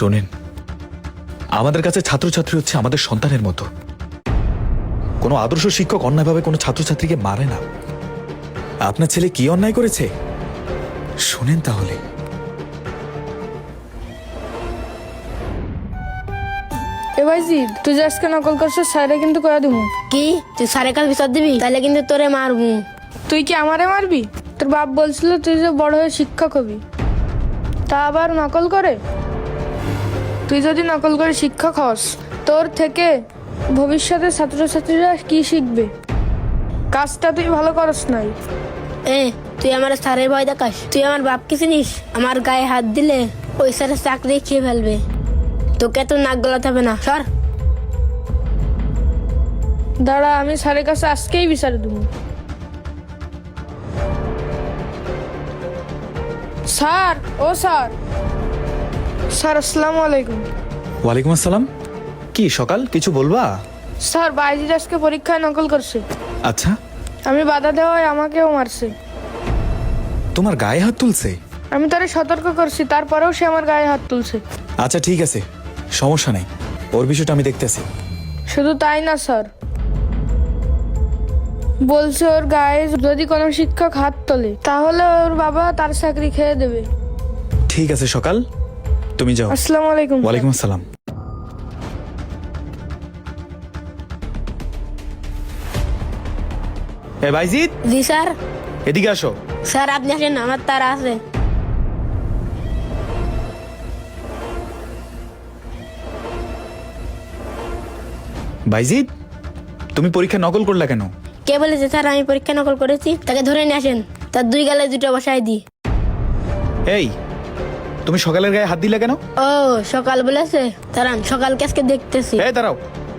শোনেন, আমাদের কাছে ছাত্রছাত্রী হচ্ছে আমাদের সন্তানের মতো। কোনো আদর্শ শিক্ষক অন্যায়ভাবে কোনো ছাত্রছাত্রীকে মারে না। আপনার ছেলে কি অন্যায় করেছে শোনেন তাহলে। এ ভাইজি, তুই যে আজকে নকল করছিস স্যারে কিন্তু কয়া দিমু। কি তুই সারে কাল বিচার দিবি? তাহলে কিন্তু তোরে মারবো। তুই কি আমারে মারবি? তোর বাপ বলছিল তুই যে বড় হয়ে শিক্ষক হবি, তা আবার নকল করে। তুই যদি নকল করে শিক্ষক হস, তোর থেকে ভবিষ্যতে ছাত্রছাত্রীরা কি শিখবে? কাজটা তুই ভালো করস নাই। তুই আমার স্যারের ভয় দেখাস? তুই আমার বাপকে চিনিস? আমার গায়ে হাত দিলে ওই স্যারের চাকরি খেয়ে ফেলবে। তোকে তো নাক গলাতে হবে না, সর। দাঁড়া, আমি স্যারের কাছে আজকেই বিচার দেবো। স্যার, ও স্যার। স্যার আসসালামু আলাইকুম। ওয়ালাইকুম আসসালাম। কি সকাল, কিছু বলবা? স্যার, বাইজির আজকে পরীক্ষায় নকল করছে। আচ্ছা, আমি বাধা দেওয়ায় আমাকেও মারছে। তোমার গায়ে হাত তুলছে? আমি তারে সতর্ক করছি, তারপরেও সে আমার গায়ে হাত তুলছে। আচ্ছা ঠিক আছে, সমস্যা নেই, ওর বিষয়টা আমি দেখতেছি। শুধু তাই না স্যার, বলছে ওর গায়ে যদি কোনো শিক্ষক হাত তোলে তাহলে ওর বাবা তার চাকরি খেয়ে দেবে। ঠিক আছে সকাল, তুমি যাও। আসসালামু আলাইকুম। ওয়ালাইকুম আসসালাম। এ ভাইজিৎ, জি স্যার। এদিকে আসো। স্যার আপনি আসেন, আমার তারা আছে। ভাইজিৎ, তুমি পরীক্ষা নকল করলা কেন? কে বলেছে স্যার আমি পরীক্ষা নকল করেছি? তাকে ধরে নিয়ে আসেন, তার দুই গালে দুটো বসাই দি। এই, তুমি সকালের গায়ে হাত দিলে কেন? ও সকাল বলেছে, দাঁড়ান সকালকে আজকে দেখতেছি। এই দাঁড়াও,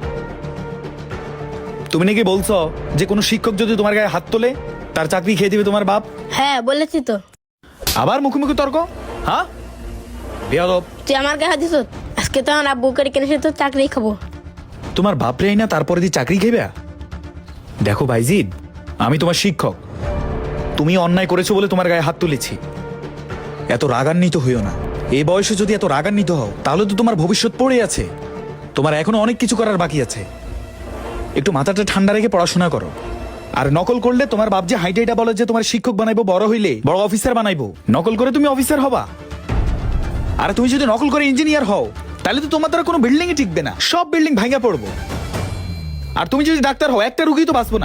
তুমি নাকি বলছো যে কোনো শিক্ষক যদি তোমার গায়ে হাত তোলে তার চাকরি খেয়ে দিবে তোমার বাপ? হ্যাঁ বলেছি তো। আবার মুখোমুখি তর্ক? হ্যাঁ বেয়াদব। তুই আমার গায়ে হাত দিস? আজকে তো আমার আব্বু করে কিনে সে তো চাকরি খাবো। তোমার বাপরে না তারপরে দিয়ে চাকরি খেবে? দেখো ভাইজিৎ, আমি তোমার শিক্ষক, তুমি অন্যায় করেছো বলে তোমার গায়ে হাত তুলেছি। এত রাগান্বিত হইও না। এই বয়সে যদি এত রাগান্বিত হও তাহলে তো তোমার ভবিষ্যৎ পড়ে আছে। তোমার এখনো অনেক কিছু করার বাকি আছে। একটু মাথাটা ঠান্ডা রেখে পড়াশোনা করো। আর নকল করলে তোমার বাপ যে হাইটাইটা বলে যে তোমার শিক্ষক বানাইবো, বড় হইলে বড় অফিসার বানাইবো, নকল করে তুমি অফিসার হবা। আর তুমি যদি নকল করে ইঞ্জিনিয়ার হও তাহলে তো তোমার দ্বারা কোনো বিল্ডিং ই টিকবে না, সব বিল্ডিং ভাঙা পড়বো। আর তুমি যদি ডাক্তার হও একটা রুগী তো বাঁচবো না।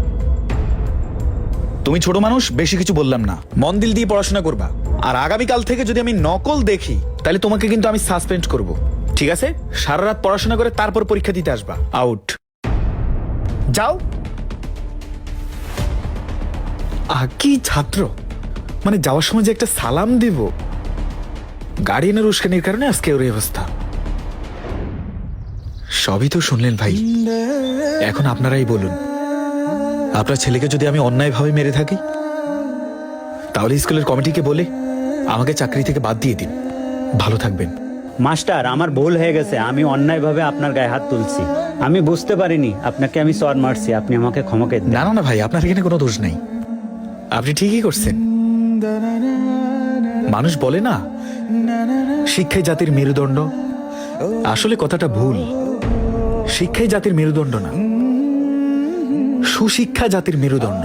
তুমি ছোট মানুষ, বেশি কিছু বললাম না, মন দিল দিয়ে পড়াশোনা করবা। আর আগামীকাল থেকে যদি আমি নকল দেখি তাহলে তোমাকে কিন্তু আমি সাসপেন্ড করব, ঠিক আছে? সারা রাত পড়াশোনা করে তারপর পরীক্ষা দিতে আসবা। আউট, যাও। কি ছাত্র, মানে যাওয়ার সময় যে একটা সালাম দিব, গার্ডিয়ানের উস্কানির কারণে আজকে ওর এই অবস্থা। সবই তো শুনলেন ভাই, এখন আপনারাই বলুন, আপনার ছেলেকে যদি আমি অন্যায়ভাবে মেরে থাকি তাহলে স্কুলের কমিটিকে বলে আমাকে চাকরি থেকে বাদ দিয়ে দিন। ভালো থাকবেন। মাস্টার, আমার ভুল হয়ে গেছে, আমি অন্যায়ভাবে আপনার গায়ে হাত তুলছি, আমি বুঝতে পারিনি, আপনাকে আমি চর মারছি, আপনি আমাকে ক্ষমা করে দিন। না না না ভাই, আপনার এখানে কোনো দোষ নাই, আপনি ঠিকই করছেন। মানুষ বলে না শিক্ষাই জাতির মেরুদণ্ড, আসলে কথাটা ভুল। শিক্ষাই জাতির মেরুদণ্ড না, সুশিক্ষা জাতির মেরুদণ্ড।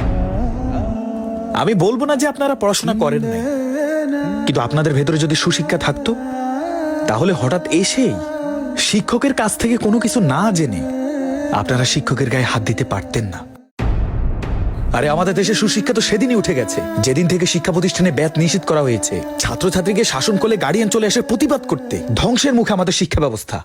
আমি বলবো না যে আপনারা পড়াশোনা করেন না, কিন্তু আপনাদের ভেতরে যদি সুশিক্ষা থাকতো তাহলে হঠাৎ এসেই শিক্ষকের কাছ থেকে কোনো কিছু না জেনে আপনারা শিক্ষকের গায়ে হাত দিতে পারতেন না। আরে আমাদের দেশে সুশিক্ষা তো সেদিনই উঠে গেছে যেদিন থেকে শিক্ষা প্রতিষ্ঠানে ব্যাত নিষিদ্ধ করা হয়েছে। ছাত্রছাত্রীকে শাসন করলে গার্ডিয়ান চলে আসে প্রতিবাদ করতে। ধ্বংসের মুখে আমাদের শিক্ষা ব্যবস্থা।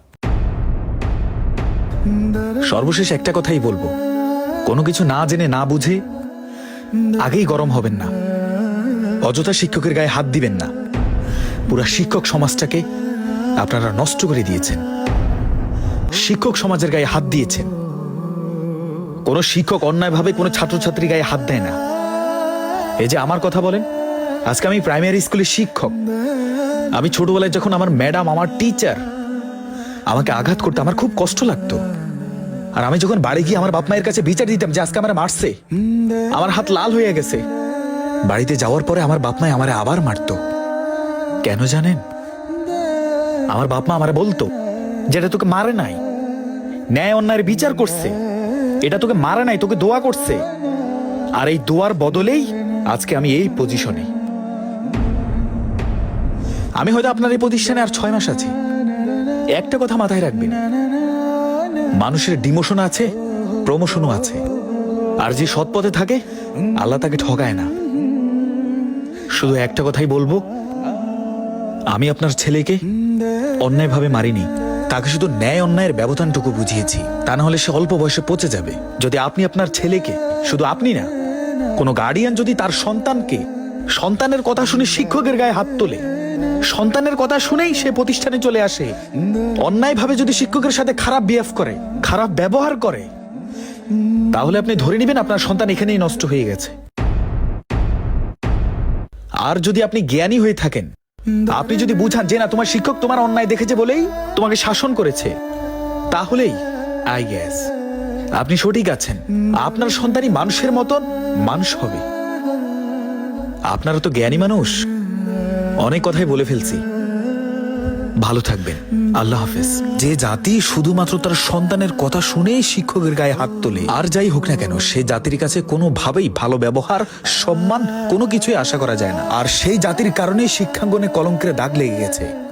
সর্বশেষ একটা কথাই বলবো, কোনো কিছু না জেনে না বুঝে আগেই গরম হবেন না, অযথা শিক্ষকের গায়ে হাত দিবেন না। পুরা শিক্ষক সমাজটাকে আপনারা নষ্ট করে দিয়েছেন, শিক্ষক সমাজের গায়ে হাত দিয়েছেন। কোনো শিক্ষক অন্যায়ভাবে কোনো ছাত্রছাত্রী গায়ে হাত দেয় না। এই যে আমার কথা বলেন, আজকে আমি প্রাইমারি স্কুলের শিক্ষক। আমি ছোটবেলায় যখন আমার ম্যাডাম, আমার টিচার আমাকে আঘাত করতে আমার খুব কষ্ট লাগতো। আর আমি যখন বাড়ি গিয়ে আমার বাপ মায়ের কাছে বিচার দিতাম যে আজকে আমার মারছে, আমার হাত লাল হয়ে গেছে, বাড়িতে যাওয়ার পরে আমার বাপ মায় আমারে আবার মারতো। কেন জানেন? আমার বাপ মা আমারে বলতো যেটা তোকে মারে নাই, ন্যায় অন্যায়ের বিচার করছে, এটা তোকে মারে নাই, তোকে দোয়া করছে। আর এই দোয়ার বদলেই আজকে আমি এই পজিশনে। আমি হয়তো আপনার এই প্রতিষ্ঠানে আর 6 মাস আছি। একটা কথা মাথায় রাখবেন, মানুষের ডিমোশন আছে, প্রমোশনও আছে। আর যে সৎ পথে থাকে আল্লাহ তাকে ঠকায় না। শুধু একটা কথাই বলবো, আমি আপনার ছেলেকে অন্যায়ভাবে মারিনি, তাকে শুধু ন্যায় অন্যায়ের ব্যবধানটুকু বুঝিয়েছি। তা না হলে সে অল্প বয়সে পচে যাবে। যদি আপনি আপনার ছেলেকে, শুধু আপনি না, কোনো গার্ডিয়ান যদি তার সন্তানকে, সন্তানের কথা শুনে শিক্ষকের গায়ে হাত তোলে, সন্তানের কথা শুনেই সে প্রতিষ্ঠানে চলে আসে, অন্যায়ভাবে যদি শিক্ষকের সাথে খারাপ বিহেভ করে, খারাপ ব্যবহার করে, তাহলে আপনি ধরে নেবেন আপনার সন্তান এখানেই নষ্ট হয়ে গেছে। আর যদি আপনি জ্ঞানী হয়ে থাকেন, আপনি যদি বুঝান যে না, তোমার শিক্ষক তোমার অন্যায় দেখেছে বলেই তোমাকে শাসন করেছে, তাহলেই আই গেস আপনি সঠিক আছেন। আপনার সন্তানই মানুষের মতন মানুষ হবে। আপনারা তো জ্ঞানী মানুষ। অনেক কথাই বলে ফেলছি, ভালো থাকবেন। আল্লাহ হাফেজ। যে জাতি শুধুমাত্র তার সন্তানের কথা শুনেই শিক্ষকের গায়ে হাত তোলে, আর যাই হোক না কেন, সে জাতির কাছে কোনোভাবেই ভালো ব্যবহার, সম্মান কোনো কিছুই আশা করা যায় না। আর সেই জাতির কারণে শিক্ষাঙ্গনে কলঙ্কের দাগ লেগে গেছে।